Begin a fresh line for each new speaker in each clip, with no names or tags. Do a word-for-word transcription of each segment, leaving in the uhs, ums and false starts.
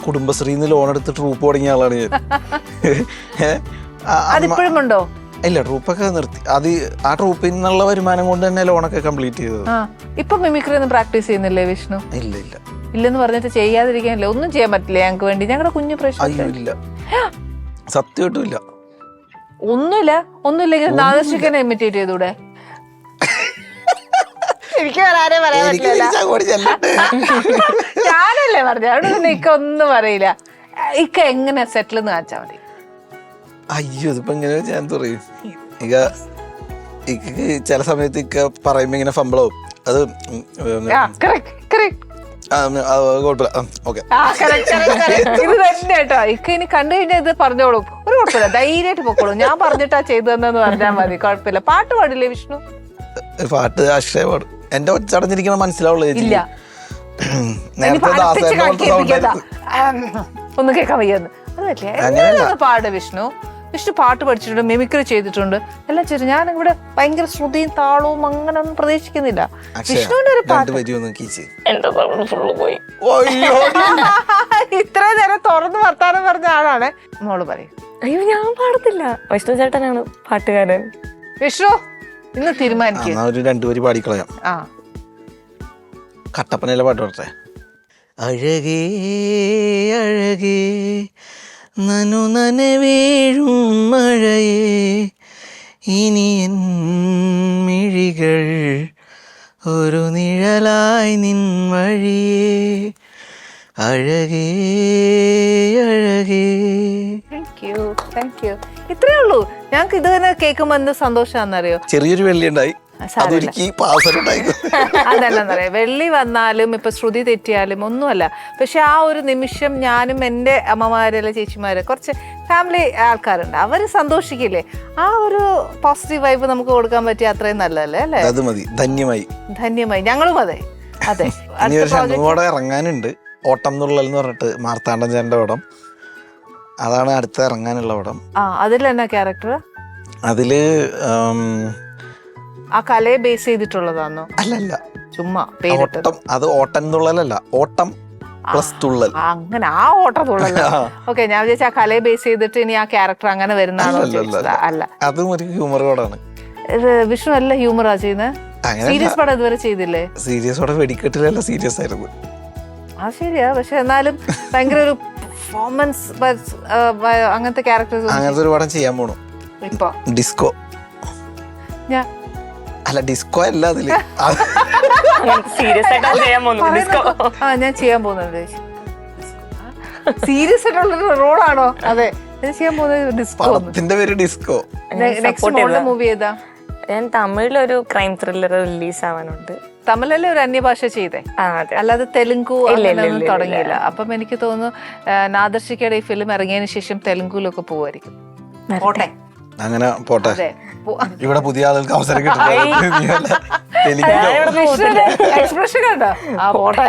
കുടുംബശ്രീന്ന് loan എടുത്ത് troupe തുടങ്ങിയ ആളാണ് ഞാൻ.
അതിപ്പോഴും ഉണ്ടോ?
ഇല്ല, ട്രൂപ്പൊക്കെ നിർത്തി. അത് ആ ട്രൂപ്പിൽ നിന്നുള്ള വരുമാനം കൊണ്ട് തന്നെ ലോണൊക്കെ കംപ്ലീറ്റ് ചെയ്തത്.
ഇപ്പൊ മിമിക്രി ഒന്നും പ്രാക്ടീസ് ചെയ്യുന്നില്ലേ വിഷ്ണു?
ഇല്ല ഇല്ല
ഇല്ലെന്ന് പറഞ്ഞിട്ട് ചെയ്യാതിരിക്കാനില്ല. ഒന്നും ചെയ്യാൻ പറ്റില്ല ഞങ്ങൾക്ക് വേണ്ടി, ഞങ്ങളുടെ കുഞ്ഞു പ്രശ്നം.
ഇല്ല, സത്യമായിട്ടും ഇല്ല.
ഒന്നുമില്ല. ഒന്നുമില്ലെങ്കിൽ നാദർശിക്കനെ ഇമിറ്റേറ്റ് ചെയ്തൂടെ? എനിക്ക് വരാനേ പറയാൻ പറ്റില്ല. ഞാനല്ലേ പറഞ്ഞു, അവിടെ പിന്നെ ഇക്ക ഒന്നും പറയില്ല. ഇക്ക എങ്ങനെ സെറ്റിൽ എന്ന് കാണിച്ചാ മതി.
അയ്യോ, ഇതിപ്പോ എങ്ങനെ ഞാൻ പറയും. ഇക്ക ഇക്ക് ചില സമയത്ത് ഇക്ക പറയുമ്പോ ഇങ്ങനെ ഫംബിളാവും. അത്
ഇത് തന്നെ കേട്ടോ. ഇക്ക ഇനി കണ്ടു കഴിഞ്ഞാൽ ഇത് പറഞ്ഞോളും, ഒരു കുഴപ്പമില്ല, ധൈര്യമായിട്ട് പൊക്കോളും. ഞാൻ പറഞ്ഞിട്ടാ ചെയ്തതെന്ന് പറഞ്ഞാൽ മതി, കുഴപ്പമില്ല. പാട്ട് പാടില്ലേ വിഷ്ണു?
പാട്ട് അക്ഷയ പാടും. എന്റെ ഒച്ചടഞ്ഞിരിക്കണ മനസ്സിലാവുള്ളൂ.
ഇല്ല, ഒന്നും കേൾക്കാൻ വയ്യാന്ന്. അത് പറ്റില്ല, പാട് വിഷ്ണു. വിഷ്ണു പാട്ട് പഠിച്ചിട്ടുണ്ട്, മിമിക്രി ചെയ്തിട്ടുണ്ട്, എല്ലാം ചെയ്തു. ഞാൻ ഇവിടെ ഭയങ്കര ശ്രുതിയും താളവും അങ്ങനെ ഒന്നും പ്രതീക്ഷിക്കുന്നില്ല. വിഷ്ണുവിന്റെ ഒരു പാട്ട് ഇത്ര നേരം തുറന്ന് വർത്താനം പറഞ്ഞ ആളാണ്. മോള് പറയും.
അയ്യോ, ഞാൻ പാടത്തില്ല. വിഷ്ണു ചേട്ടനാണ് പാട്ടുകാരൻ.
വിഷ്ണു ഇന്ന് തീരുമാനിക്കും.
രണ്ടുപേര് പാടിക്കളയാം.
ആ,
കട്ടപ്പനയിലെ പാട്ട് പറട്ടെ. അഴകേ അഴകേ നനു നനവേഴും മഴയേ, ഇനി എൻ മിഴികൾ ഒരു നിഴലായി നിൻ വഴിയേ, അഴകേ അഴകേ.
Thank you thank you. ഇത്രേ ഉള്ളൂ. ഞങ്ങൾക്ക് ഇത് തന്നെ കേൾക്കുമ്പോ എന്ത് സന്തോഷാന്നറിയോ?
ചെറിയൊരു വെള്ളി ഉണ്ടായി,
അതല്ലെന്നറിയാം. വെള്ളി വന്നാലും ഇപ്പൊ ശ്രുതി തെറ്റിയാലും ഒന്നുമല്ല. പക്ഷെ ആ ഒരു നിമിഷം ഞാനും എൻ്റെ അമ്മമാരല്ല ചേച്ചിമാര് കുറച്ച് ഫാമിലി ആൾക്കാരുണ്ട്, അവര് സന്തോഷിക്കില്ലേ? ആ ഒരു പോസിറ്റീവ് വൈബ് നമുക്ക് കൊടുക്കാൻ പറ്റിയ അത്രയും നല്ലതല്ലേ അല്ലേ?
അത് മതി. ധന്യമായി
ധന്യമായി. ഞങ്ങളും അതെ അതെ.
ഇറങ്ങാനുണ്ട് ഓട്ടം തുള്ളൽ എന്ന് പറഞ്ഞിട്ട്, മാർത്താണ്ഡൻ ചേട്ടൻ്റെ പടം. അതാണ് അടുത്ത ഇറങ്ങാനുള്ള പടം.
ആ, അതിൽ എന്നാ ക്യാരക്ടർ?
അതില്
ആ കലയെ ബേസ് ചെയ്തിട്ടുള്ളതാണോ?
അല്ലല്ല,
ചുമ്മാ
ഓട്ടം. അത് ഓട്ടം തുള്ളലല്ല, ഓട്ടം പ്ലസ് തുള്ളൽ.
അങ്ങനെ ആ ഓട്ടം തുള്ളൽ. ഓക്കെ, ഞാൻ വിചാരിച്ച ആ കലയെ ബേസ് ചെയ്തിട്ട് ഇനി ആ ക്യാരക്ടർ അങ്ങനെ വരുന്നതാണോ? അല്ല,
അതും ഒരു ഹ്യൂമർ കോഡാണ്.
വിഷ്ണു നല്ല ഹ്യൂമറാ ചെയ്യുന്നത്. സീരിയസ് പടം ഇതുവരെ ചെയ്തില്ലേ?
സീരിയസ് പടം വെടിക്കെട്ടിലല്ല, സീരിയസ് ആയിരുന്നു.
ആ ശരിയാ, പക്ഷെ എന്നാലും ഭയങ്കര ഒരു പെർഫോമൻസ് അങ്ങനത്തെ ക്യാരക്ടേഴ്സ്.
അങ്ങനത്തെ ഒരു പടം ചെയ്യാൻ പോണു
ഇപ്പൊ.
ഡിസ്കോ.
ഞാൻ
അല്ല, ഡിസ്കോ അല്ല, അതില്
സീരിയസ് ആയിട്ട് ചെയ്യാൻ പോകുന്നു.
ആ, ഞാൻ ചെയ്യാൻ പോകുന്നത് സീരിയസ് ആയിട്ടുള്ള റോളാണോ? അതെ, ഞാൻ ചെയ്യാൻ പോകുന്നത് ഡിസ്കോ.
പടത്തിന്റെ പേര് ഡിസ്കോ.
നെക്സ്റ്റ് മൂവി ഏതാ?
ഞാൻ തമിഴിലൊരു ക്രൈം ത്രില്ലർ റിലീസ് ആവാനുണ്ട്.
തമിഴിലെ ഒരു അന്യഭാഷ ചെയ്തേ, അല്ലാതെ തെലുങ്കു അങ്ങനെയൊന്നും തുടങ്ങിയില്ല. അപ്പം എനിക്ക് തോന്നുന്നു നാദർശിക്കയുടെ ഈ ഫിലിം ഇറങ്ങിയതിന് ശേഷം തെലുങ്കുലൊക്കെ പോവായിരിക്കും. പോട്ടെ,
അങ്ങനെ പോട്ടെ. ഇവിടെ പുതിയ ആളുകൾക്ക് അവസരം കിട്ടില്ല.
എക്സ്പ്രഷൻ കണ്ടോ? ആ പോട്ടെ,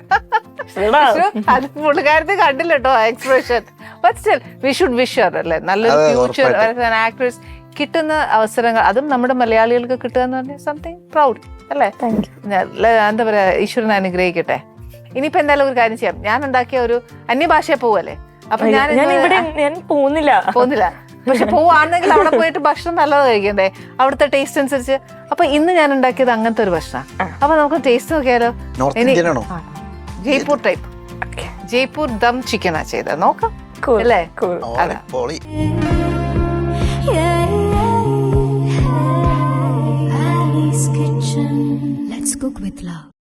അത് പുള്ളിക്കാരത്തെ കണ്ടില്ല കേട്ടോ expression. But still we should wish her അല്ലേ, നല്ലൊരു ഫ്യൂച്ചർ ആക്ട്രസ്. കിട്ടുന്ന അവസരങ്ങൾ, അതും നമ്മുടെ മലയാളികൾക്ക് കിട്ടുക എന്ന് പറഞ്ഞാൽ സംതിങ് പ്രൗഡ് അല്ലേ? എന്താ പറയാ, ഈശ്വരൻ അനുഗ്രഹിക്കട്ടെ. ഇനിയിപ്പോ എന്തായാലും ഒരു കാര്യം ചെയ്യാം, ഞാൻ ഉണ്ടാക്കിയ ഒരു അന്യഭാഷയെ പോവല്ലേ. അപ്പൊ ഞാൻ
ഞാൻ പോകുന്നില്ല
പോകുന്നില്ല പക്ഷെ പോവാണെങ്കിൽ അവിടെ പോയിട്ട് ഭക്ഷണം നല്ലത് കഴിക്കണ്ടേ, അവിടുത്തെ ടേസ്റ്റ് അനുസരിച്ച്. അപ്പൊ ഇന്ന് ഞാൻ ഉണ്ടാക്കിയത് അങ്ങനത്തെ ഒരു ഭക്ഷണം. അപ്പൊ നമുക്ക് ടേസ്റ്റ് നോക്കിയാലോ? ജയ്പൂർ ടൈപ്പ്, ജയ്പൂർ ദം ചിക്കനാ ചെയ്തത്. നോക്കാം അല്ലേ?
Ali's Kitchen. Let's cook with love.